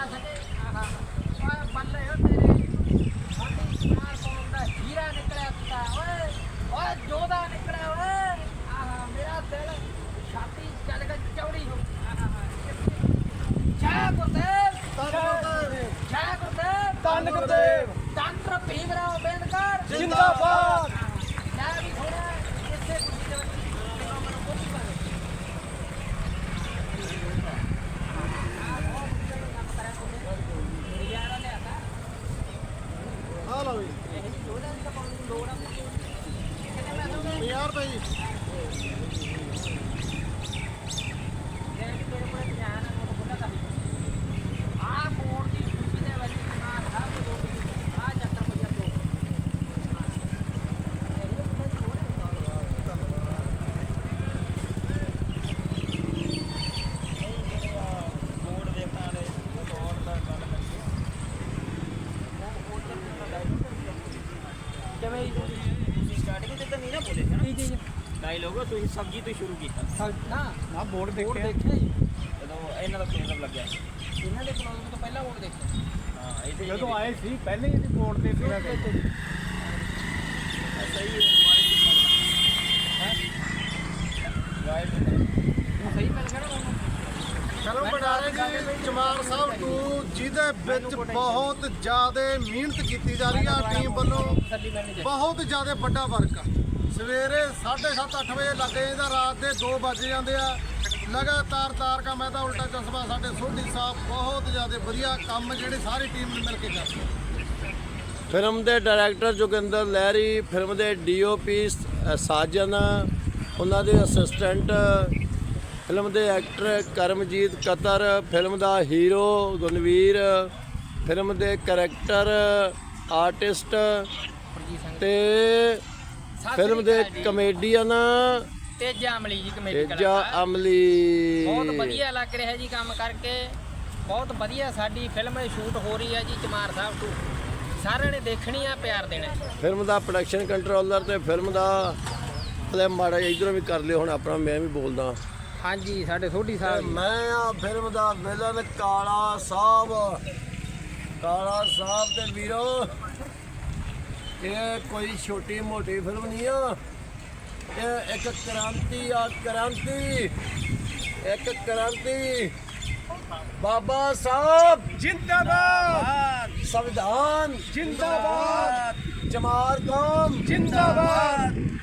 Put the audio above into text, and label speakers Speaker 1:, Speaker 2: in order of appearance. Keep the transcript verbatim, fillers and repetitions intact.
Speaker 1: सके ओए बल्ले हो तेरे साडी चार कौम दा हीरा निकलिया ता ओए ओए जोधा निकलिया ओए आहा मेरा दिल छाती चल के चौड़ी हो जय गुरुदेव जय गुरुदेव
Speaker 2: ਧੰਨ ਗੁਰਦੇਵ
Speaker 1: डॉक्टर भीमराव अंबेडकर
Speaker 2: जिंदाबाद।
Speaker 1: मैं भी थोड़ा इससे कुछ नहीं देखो मैंने कुछ नहीं कर यार ले आता
Speaker 2: ਆ ਲਓ ਜੀ
Speaker 1: ਇਹ ਲੋੜਾ ਦਾ ਪਾਉਣ ਲੋੜਾ ਕਿੰਨੇ ਮੈਂ ਦੂੰਗਾ
Speaker 2: ਪੰਜਾਹ ਰੁਪਏ ਜੀ
Speaker 1: ਇਹ ਕਿ ਤੇਰੇ ਕੋਲ ਧਿਆਨ ਹੈ ਉਹ ਬੁੱਢਾ ਕਰ ਆ ਕੋੜ ਦੀ ਖੁਸ਼ੀ ਦੇ ਵਿੱਚ ਨਾ ਸਭ ਲੋਕ ਆ ਚੱਕਰ ਪਈਆ ਤੋਂ ਕਿਵੇਂ
Speaker 3: ਤੁਸੀਂ ਸਟਾਰਟਿੰਗ ਤੇ ਤਾਂ ਨਹੀਂ ਨਾ ਬੋਲੇ ਹੈ ਨਾ
Speaker 1: ਜੀ ਜੀ
Speaker 3: ਡਾਇਲੋਗ ਤੁਸੀਂ ਸਬਜ਼ੀ ਤੋਂ ਸ਼ੁਰੂ ਕੀਤਾ
Speaker 1: ਨਾ
Speaker 2: ਨਾ ਬੋਰਡ
Speaker 1: ਬੋਰਡ
Speaker 2: ਦੇਖਿਆ
Speaker 1: ਦੇਖਿਆ ਜੀ
Speaker 3: ਜਦੋਂ ਇਹਨਾਂ ਦਾ ਕੇਂਦਰ ਲੱਗਿਆ
Speaker 1: ਇਹਨਾਂ ਦੇ ਕਲੋਜ਼ ਤੋਂ ਪਹਿਲਾਂ ਬੋਰਡ ਦੇਖਿਆ
Speaker 3: ਹਾਂ ਇਹਦੇ
Speaker 2: ਜਦੋਂ ਆਏ ਸੀ ਪਹਿਲੇ ਹੀ ਬੋਰਡ ਤੇ ਸੀਗਾ ਕਿ
Speaker 3: ਸਹੀ ਹੈ ਵਾਈਟ
Speaker 1: ਸਹੀ ਮਿਲ ਗਿਆ ਨਾ ਤੁਹਾਨੂੰ
Speaker 2: ਚਲੋ ਬਟਾਲੇ ਜੀ ਚਮਾਰ ਸਾਹਿਬ ਟੂ ਜਿਹਦੇ ਵਿੱਚ ਬਹੁਤ ਜ਼ਿਆਦਾ ਮਿਹਨਤ ਕੀਤੀ ਜਾ ਰਹੀ ਆ ਟੀਮ ਵੱਲੋਂ
Speaker 1: ਤਸੱਲੀ ਮਿਲਣੀ ਚਾਹੀਦੀ
Speaker 2: ਬਹੁਤ ਜ਼ਿਆਦਾ ਵੱਡਾ ਵਰਕ ਆ ਸਵੇਰੇ ਸਾਢੇ ਸੱਤ ਅੱਠ ਵਜੇ ਲੱਗੇ ਜਾਂਦਾ ਰਾਤ ਦੇ ਦੋ ਵੱਜ ਜਾਂਦੇ ਆ ਲਗਾਤਾਰ ਤਾਰ ਕਾ ਮੈਂ ਤਾਂ ਉਲਟਾ ਚਸ਼ਮਾ ਸਾਡੇ ਸੋਢੀ ਸਾਹਿਬ ਬਹੁਤ ਜ਼ਿਆਦਾ ਵਧੀਆ ਕੰਮ ਜਿਹੜੇ ਸਾਰੀ ਟੀਮ ਨੇ ਮਿਲ ਕੇ ਕਰਦੇ
Speaker 4: ਫਿਲਮ ਦੇ ਡਾਇਰੈਕਟਰ ਜੋਗਿੰਦਰ ਲਹਿਰੀ, ਫਿਲਮ ਦੇ ਡੀਓਪੀ ਸਾਜਨ, ਉਹਨਾਂ ਦੇ ਅਸਿਸਟੈਂਟ, ਫਿਲਮ ਦੇ ਐਕਟਰ ਕਰਮਜੀਤ ਕਤਰ, ਫਿਲਮ ਦਾ ਹੀਰੋ ਗੁਣਵੀਰ, ਫਿਲਮ ਦੇ ਕਰੈਕਟਰ ਆਰਟਿਸਟ ਤੇ ਫਿਲਮ ਦੇ ਕਮੇਡੀਅਨ
Speaker 1: ਤੇਜਾ ਅਮਲੀ ਜੀ ਕਮੇਟੀ
Speaker 4: ਤੇਜਾ ਅਮਲੀ।
Speaker 1: ਬਹੁਤ ਵਧੀਆ ਲੱਗ ਰਿਹਾ ਜੀ ਕੰਮ ਕਰਕੇ ਬਹੁਤ ਵਧੀਆ ਸਾਡੀ ਫਿਲਮ ਸ਼ੂਟ ਹੋ ਰਹੀ ਹੈ ਜੀ ਚਮਾਰ ਸਾਹਿਬ ਤੋਂ ਸਾਰਿਆਂ ਨੇ ਦੇਖਣੀ ਆ ਪਿਆਰ ਦੇਣਾ
Speaker 4: ਫਿਲਮ ਦਾ ਪ੍ਰੋਡਕਸ਼ਨ ਕੰਟਰੋਲਰ ਤੇ ਫਿਲਮ ਦਾ ਪਲੇ ਮਾੜਾ ਇਧਰੋਂ ਵੀ ਕਰ ਲਿਓ ਹੁਣ ਆਪਣਾ ਮੈਂ ਵੀ ਬੋਲਦਾ।
Speaker 1: ਹਾਂਜੀ ਸਾਡੇ ਸੋਢੀ
Speaker 4: ਤੇ
Speaker 1: ਸਾਹਿਬ
Speaker 4: ਮੈਂ ਆ ਫਿਲਮ ਦਾ ਵਿਲਨ ਕਾਲਾ ਸਾਹਿਬ ਕਾਲਾ ਸਾਹਿਬ ਤੇ ਵੀਰੋ ਇਹ ਕੋਈ ਛੋਟੀ ਮੋਟੀ ਫਿਲਮ ਨਹੀਂ ਆ, ਇਹ ਇੱਕ ਕ੍ਰਾਂਤੀ ਆ ਕ੍ਰਾਂਤੀ ਇੱਕ ਕ੍ਰਾਂਤੀ। ਬਾਬਾ ਸਾਹਿਬ
Speaker 2: ਜਿੰਦਾਬਾਦ
Speaker 4: ਸੰਵਿਧਾਨ
Speaker 2: ਜਿੰਦਾਬਾਦ
Speaker 4: ਚਮਾਰ ਕੌਮ
Speaker 2: ਜਿੰਦਾਬਾਦ